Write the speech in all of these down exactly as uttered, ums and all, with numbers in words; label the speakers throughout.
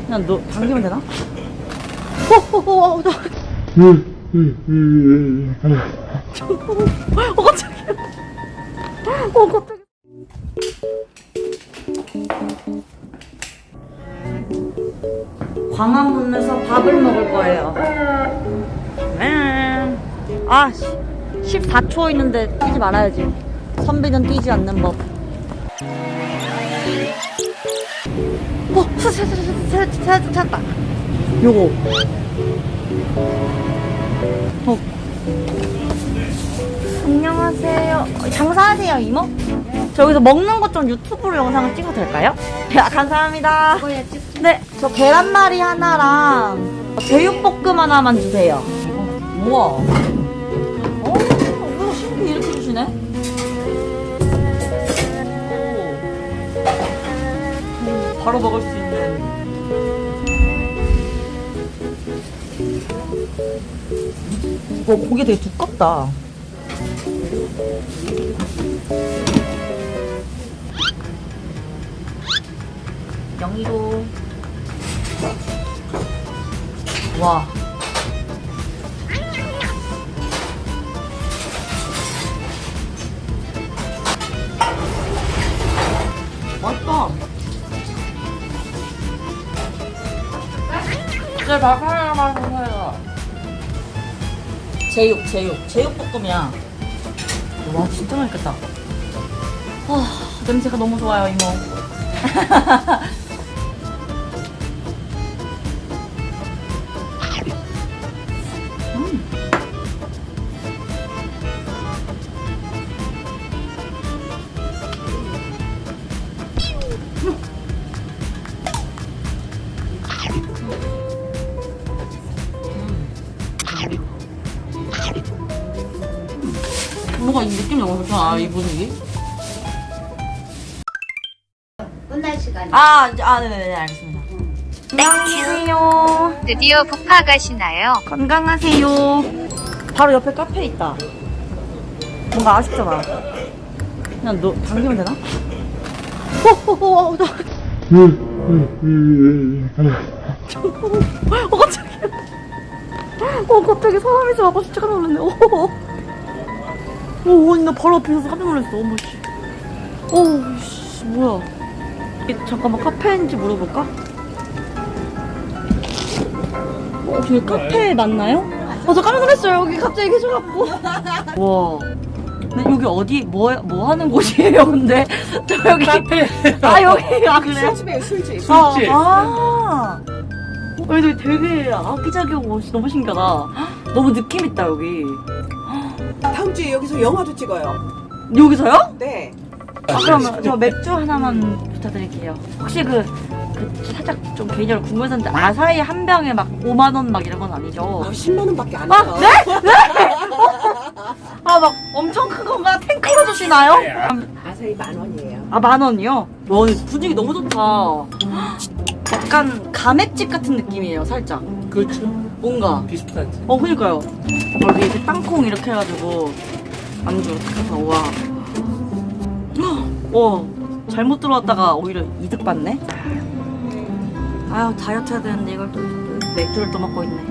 Speaker 1: 그냥 너 당기면 되나? 호호호 나. 어 깜짝이야. 어 깜짝이야. 광화문에서 밥을 먹을 거예요. 아 십사 초 있는데 뛰지 말아야지. 선비는 뛰지 않는 법. 어 찾았다 찾았다. 요거. 어. 안녕하세요. 장사하세요 이모? 저 여기서 먹는 것 좀 유튜브로 영상을 찍어도 될까요? 아, 감사합니다. 네, 저 계란말이 하나랑 제육볶음 하나만 주세요. 어, 우와. 어, 이거 신기 이렇게 주시네? 오. 바로 먹을 수 있는. 이거 고기 되게 두껍다. 영희도. 와. 맛있다. 네, 밥 하나만 주세요. 제육, 제육. 제육볶음이야. 와, 진짜 맛있겠다. 와, 냄새가 너무 좋아요, 이모. 음. 뭔가 이 느낌이 너무 좋잖아, 이 분위기.
Speaker 2: 끝날 시간이.
Speaker 1: 아, 아, 네네네, 알겠습니다. 안녕하세요.
Speaker 3: 드디어 부파 가시나요?
Speaker 1: 건강하세요. 바로 옆에 카페 있다. 뭔가 아쉽잖아. 그냥 너 당기면 되나? 호호호 나. 어 갑자기. 어 갑자기 사람이 좀 와봐 진짜 깜짝 놀랐네. 오, 오, 나 바로 앞에 있어서 깜짝 놀랐어. 어머 씨. 오, 씨 뭐야? 이, 잠깐만 카페인지 물어볼까? 어, 저기 카페 맞나요? 아, 저 깜짝 놀랐어요. 여기 갑자기 계셔갖고. 와. 근데 여기 어디, 뭐, 뭐 하는 곳이에요, 근데? 저 여기. 카페. 아, 여기. 아, 그래요?
Speaker 4: 술집이에요, 술집.
Speaker 1: 술집. 아. 아. 여기 되게 아기자기하고 너무 신기하다. 너무 느낌있다, 여기.
Speaker 4: 다음 주에 여기서 영화도 찍어요.
Speaker 1: 여기서요?
Speaker 4: 네.
Speaker 1: 아, 그러면 저 맥주 하나만 부탁드릴게요. 혹시 그, 그 살짝 좀 개인적으로 궁금했는데 아사히 한 병에 막 오만 원 막 이런 건 아니죠?
Speaker 4: 아, 십만 원밖에 안
Speaker 1: 아,
Speaker 4: 해요.
Speaker 1: 네? 네? 아, 막 엄청 큰 건가? 탱크로 주시나요?
Speaker 4: 아사히 만 원이에요.
Speaker 1: 아, 만 원이요? 와, 분위기 너무 좋다. 약간 가맥집 같은 느낌이에요, 살짝.
Speaker 5: 그렇죠.
Speaker 1: 뭔가.
Speaker 5: 비슷하지.
Speaker 1: 어, 그니까요. 여기 이렇게 땅콩 이렇게 해가지고 안주 이렇게 해서, 와. 와, 잘못 들어왔다가 오히려 이득 봤네? 아유, 다이어트 해야 되는데 이걸 또 맥주를 또 먹고 있네.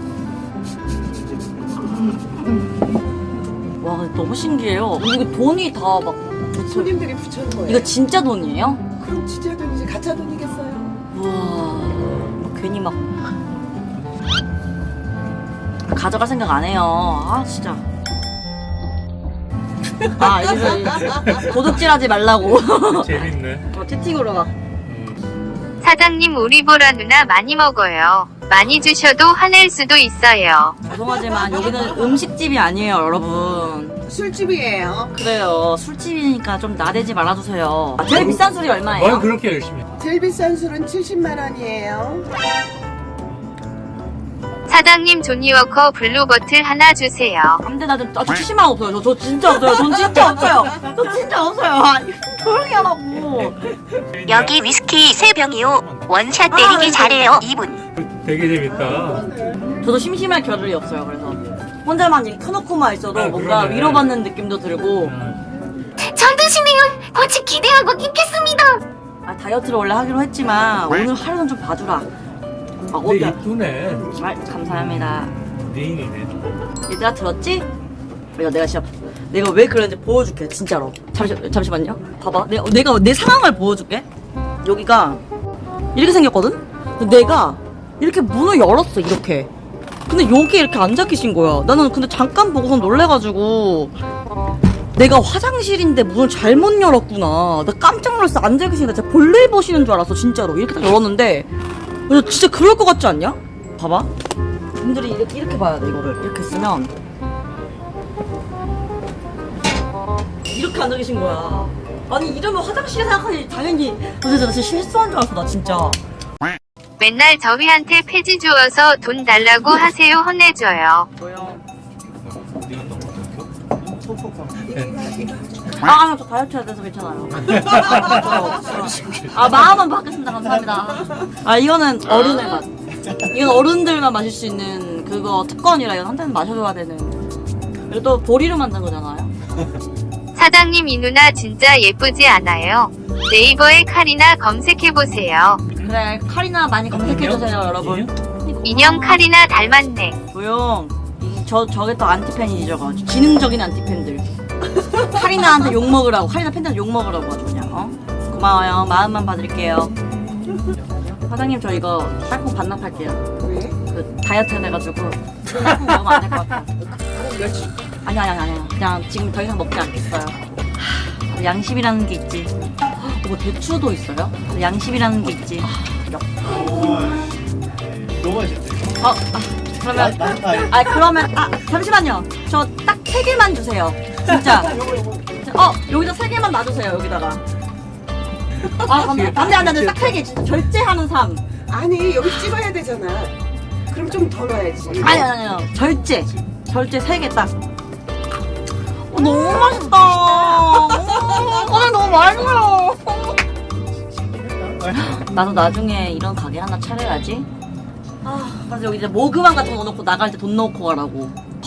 Speaker 1: 와, 근데 너무 신기해요. 이거 돈이 다 막.
Speaker 4: 손님들이 붙여는 거예요.
Speaker 1: 이거 진짜 돈이에요?
Speaker 4: 그럼 진짜 돈이지, 가짜 돈이겠어요.
Speaker 1: 우와, 뭐 괜히 막 가져갈 생각 안 해요. 아 진짜. 아 여기서 도둑질하지 말라고.
Speaker 5: 재밌네.
Speaker 1: 어, 채팅으로 막.
Speaker 3: 사장님 우리 보라 누나 많이 먹어요. 많이 주셔도 화낼 수도 있어요.
Speaker 1: 죄송하지만 여기는 음식집이 아니에요, 여러분.
Speaker 4: 술집이에요.
Speaker 1: 그래요, 술집이니까 좀 나대지 말아주세요. 아, 제일 비싼 술이 얼마예요?
Speaker 5: 뭘 그렇게 열심히 해?
Speaker 4: 제일 비싼 술은 칠십만 원이에요.
Speaker 3: 사장님 조니워커 블루버틀 하나 주세요.
Speaker 1: 안돼, 나 좀, 아, 저 칠십만 원 없어요. 저, 저 진짜 없어요. 돈 진짜 없어요. 저 진짜 없어요. 아, 조용히 하라고.
Speaker 6: 여기 위스키 세 병이요. 원샷 때리기
Speaker 1: 아,
Speaker 6: 잘해요, 이분.
Speaker 5: 되게 재밌다.
Speaker 1: 저도 심심할 겨를이 없어요. 그래서 혼자만 이렇게 켜놓고만 있어도
Speaker 5: 아,
Speaker 1: 뭔가
Speaker 5: 그러네.
Speaker 1: 위로받는 느낌도 들고.
Speaker 6: 잘 드시네요. 같이 기대하고 있겠습니다.
Speaker 1: 아, 다이어트를 원래 하기로 했지만 오늘 하루는 좀 봐주라. 아,
Speaker 5: 근데
Speaker 1: 어때?
Speaker 5: 이쁘네.
Speaker 1: 아, 감사합니다.
Speaker 5: 미인이네.
Speaker 1: 얘들아 들었지? 내가 내가 진짜 내가 왜 그러는지 보여줄게 진짜로. 잠시 잠시만요. 봐봐. 내가 내가 내 상황을 보여줄게. 여기가 이렇게 생겼거든. 근데 내가 이렇게 문을 열었어 이렇게. 근데 여기 이렇게 앉아 계신 거야. 나는 근데 잠깐 보고서 놀래가지고 내가 화장실인데 문을 잘못 열었구나. 나 깜짝 놀랐어. 앉아 계시니까 진짜 볼일 보시는 줄 알았어 진짜로. 이렇게 딱 열었는데 근데 진짜 그럴 것 같지 않냐? 봐봐. 분들이 이렇게 이렇게 봐야 돼 이거를. 이렇게 쓰면 이렇게 앉아 계신 거야. 아니 이러면 화장실에 생각하니 당연히 나 진짜, 나 진짜 실수한 줄 알았어 나 진짜.
Speaker 3: 맨날 저희한테 폐지 주어서 돈 달라고 하세요. 혼내줘요.
Speaker 1: 뭐요?
Speaker 5: 네가 너무
Speaker 1: 아, 아니요, 저 다이어트 해야 돼서 괜찮아요. 아, 마음은 바뀌었습니다. 감사합니다. 아, 이거는 어른의 맛. 이건 어른들만 마실 수 있는 그거 특권이라 이건 한 잔 마셔줘야 되는. 그리고 또 보리로 만든 거잖아요.
Speaker 3: 사장님 이 누나 진짜 예쁘지 않아요? 네이버에 카리나 검색해보세요.
Speaker 1: 그래, 카리나 많이 검색해주세요, 여러분.
Speaker 3: 인형 카리나 닮았네.
Speaker 1: 조용. 이- 저, 저게 또 안티팬이지, 저거. 지능적인 안티팬들. 카리나한테 욕먹으라고, 카리나 팬들한테 욕먹으라고 아주 그냥, 어? 고마워요. 마음만 봐드릴게요. 사장님, 저 이거 땅콩 반납할게요.
Speaker 4: 왜?
Speaker 1: 그 다이어트 해가지고 땅콩 먹으면 안 될 것 같아. 아니, 아니, 아니, 아니. 그냥 지금 더 이상 먹지 않겠어요. 하, 양심이라는 게 있지. 헉, 뭐 대추도 있어요? 양심이라는 게 있지.
Speaker 7: 너무 맛있대.
Speaker 1: 어, 아, 그러면 아 그러면 아 잠시만요. 저 딱 세 개만 주세요. 진짜. 어 여기다 세 개만 놔주세요. 여기다가. 아 안돼 안돼 안돼 딱 세 개. 진짜 절제하는 삶.
Speaker 4: 아니 여기 찍어야 되잖아. 그럼 좀 더 넣어야지.
Speaker 1: 아니 아니 아니 절제. 절제 세 개 딱. 어, 너무 맛있다. 오늘 너무 맛있어요. 나도 나중에 이런 가게 하나 차려야지. 아, 그래서 여기 이제 모금함 같은 거 넣어놓고 나갈 때 돈 넣고 가라고.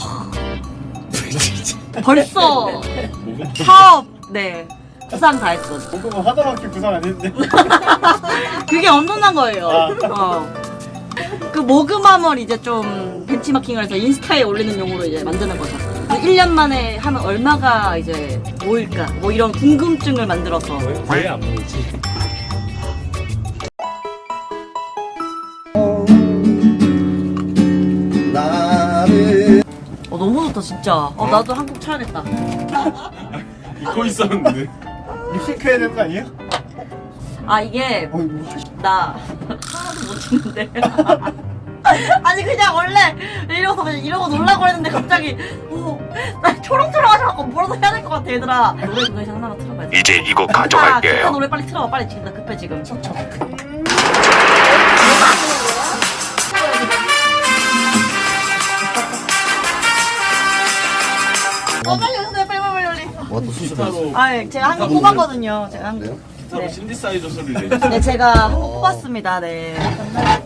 Speaker 1: 벌써 사업 네 부상 다 했어.
Speaker 7: 볶음은 하나밖에 부상 안 했는데.
Speaker 1: 그게 엄청난 거예요.
Speaker 7: 아.
Speaker 1: 어. 그 모금함을 이제 좀 벤치마킹을 해서 인스타에 올리는 용으로 이제 만드는 거죠. 일 년 만에 하면 얼마가 이제 모일까? 뭐 이런 궁금증을 만들어서.
Speaker 5: 왜 안 보이지?
Speaker 1: 어 너무 좋다 진짜. 어 나도 한국 차야겠다.
Speaker 7: 잊고 있었는데. 립싱크 해야 되는 거 아니에요?
Speaker 1: 아 이게
Speaker 7: 어이 뭐 하시...
Speaker 1: 나 하나도 못 찍는데. 아니 그냥 원래 이러고 그냥 이러고 놀라고 했는데 갑자기 어, 나 초롱초롱하셔갖고 뭐라도 해야 될 것 같아 얘들아. 노래 노래 하나만 틀어봐야 돼.
Speaker 6: 이제 이거
Speaker 1: 아,
Speaker 6: 가져갈게요.
Speaker 1: 기타 노래 빨리 틀어봐 빨리 지금 나 급해 지금. 어 빨리 오세요 빨리 빨리 빨리.
Speaker 7: 와또 수시로.
Speaker 1: 아 제가 한국 뽑았거든요. 제가 한국. 네.
Speaker 7: 신디사이저 소리를 내.
Speaker 1: 네 제가 한국 뽑았습니다. 네.